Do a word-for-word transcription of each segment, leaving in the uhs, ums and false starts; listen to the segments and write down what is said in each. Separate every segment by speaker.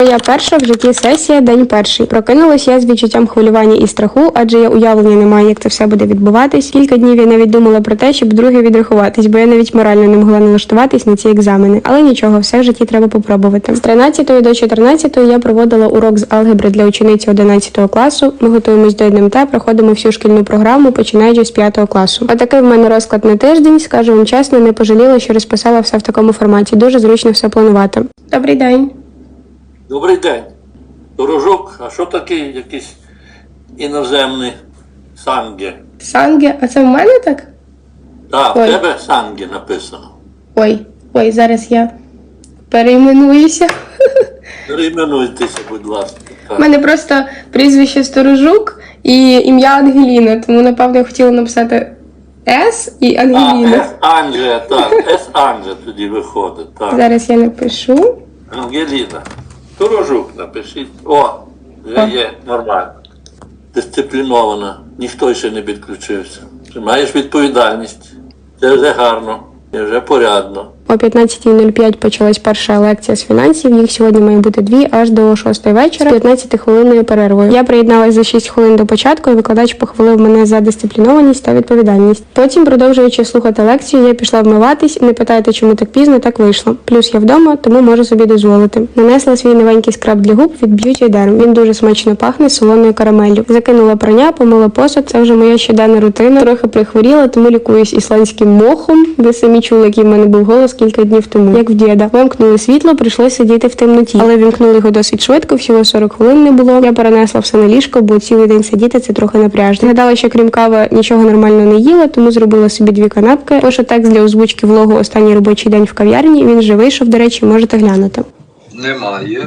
Speaker 1: Моя перша в житті сесія, день перший. Прокинулась я з відчуттям хвилювання і страху, адже я уявлення не маю, як це все буде відбуватись. Кілька днів я навіть думала про те, щоб друге відрахуватись, бо я навіть морально не могла налаштуватись на ці екзамени. Але нічого, все в житті треба попробувати. З тринадцятої до чотирнадцятої я проводила урок з алгебри для учениці одинадцятого класу. Ми готуємось до ен ем те, проходимо всю шкільну програму, починаючи з п'ятого класу. Отакий в мене розклад на тиждень. Скажу вам чесно, не пожаліла, що розписала все в такому форматі. Дуже зручно все планувати. Добрий день.
Speaker 2: Добрий день. Дорожок, а що таке якийсь іноземний санге?
Speaker 1: Санге, а це в мене так?
Speaker 2: Так, в
Speaker 1: Ой.
Speaker 2: тебе санге написано.
Speaker 1: Ой, ой, зараз я перейменуюся.
Speaker 2: Перейменуйтеся, будь ласка.
Speaker 1: У мене просто прізвище Сторожук і ім'я Ангеліна, тому, напевно, я хотіла написати С і
Speaker 2: А,
Speaker 1: Ангеліна.
Speaker 2: С Анже, так, С Анже тоді виходить, так.
Speaker 1: Зараз я напишу.
Speaker 2: Ангеліна. Дорожок напишіть. О, вже є нормально. Дисциплінована. Ніхто ще не підключився. Ти маєш відповідальність. Це вже гарно. Це вже порядно.
Speaker 1: О п'ятнадцятій нуль п'ять почалась перша лекція з фінансів. Їх сьогодні має бути дві аж до шостої вечора з п'ятнадцятихвилинною перервою. Я приєдналась за шість хвилин до початку, і викладач похвалив мене за дисциплінованість та відповідальність. Потім, продовжуючи слухати лекцію, я пішла вмиватись. Не питайте, чому так пізно, так вийшло. Плюс я вдома, тому можу собі дозволити. Нанесла свій новенький скраб для губ від Beauty Derm. Він дуже смачно пахне солоною карамеллю. Закинула прання, помила посуд. Це вже моя щоденна рутина. Трохи прихворіла, тому лікуюсь ісландським мохом. Ви самі чули, який в мене був голос кілька днів тому. Як в діда. Вимкнули світло, прийшлося сидіти в темноті. Але вімкнули його досить швидко, всього сорок хвилин не було. Я перенесла все на ліжко, бо цілий день сидіти це трохи напряжно. Гадала, що крім кави нічого нормально не їла, тому зробила собі дві канапки. Пишу текст для озвучки влогу «Останній робочий день в кав'ярні». Він вже вийшов, до речі, можете глянути.
Speaker 3: Немає.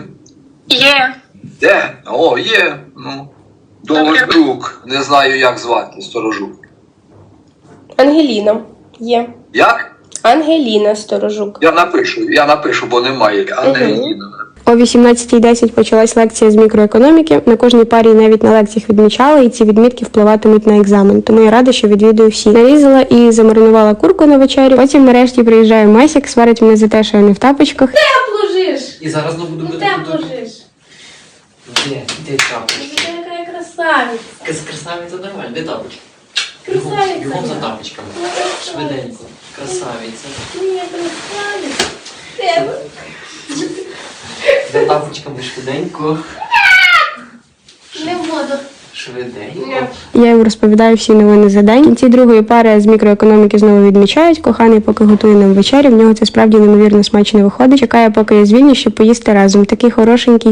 Speaker 4: Є.
Speaker 3: Де? О, є. Ну. Дорожук. Не знаю, як звати. Сторожук.
Speaker 1: Ангеліна. Є.
Speaker 3: Як?
Speaker 1: Ангеліна Сторожук.
Speaker 3: Я напишу, я напишу, бо немає. Ангеліна.
Speaker 1: О вісімнадцятій десять почалась лекція з мікроекономіки. На кожній парі і навіть на лекціях відмічали, і ці відмітки впливатимуть на екзамен. Тому я рада, що відвідую всі. Нарізала і замаринувала курку на вечерю. Потім нарешті приїжджає Масік, сварить мене за те, що я не в тапочках.
Speaker 4: Тепло жиш.
Speaker 5: І зараз не буду
Speaker 4: Ну
Speaker 5: бити.
Speaker 4: тепло жиш.
Speaker 5: Де? Де тапочки?
Speaker 4: Ти яка я красавиця.
Speaker 5: Крас- Красавиця нормально, де тапочки?
Speaker 4: Красавиця.
Speaker 5: Бігом за тапочками. Швиденько. Красавиця.
Speaker 4: Ні, красавиця. Тебе.
Speaker 5: За тапочками швиденько.
Speaker 4: Не буду.
Speaker 5: Швиденько.
Speaker 1: Я їм розповідаю всі новини за день. В кінці другої пари з мікроекономіки знову відмічають. Коханий поки готує нам вечерю. В нього це справді неймовірно смачно виходить. Чекає, поки я звільню, щоб поїсти разом. Такий хорошенький.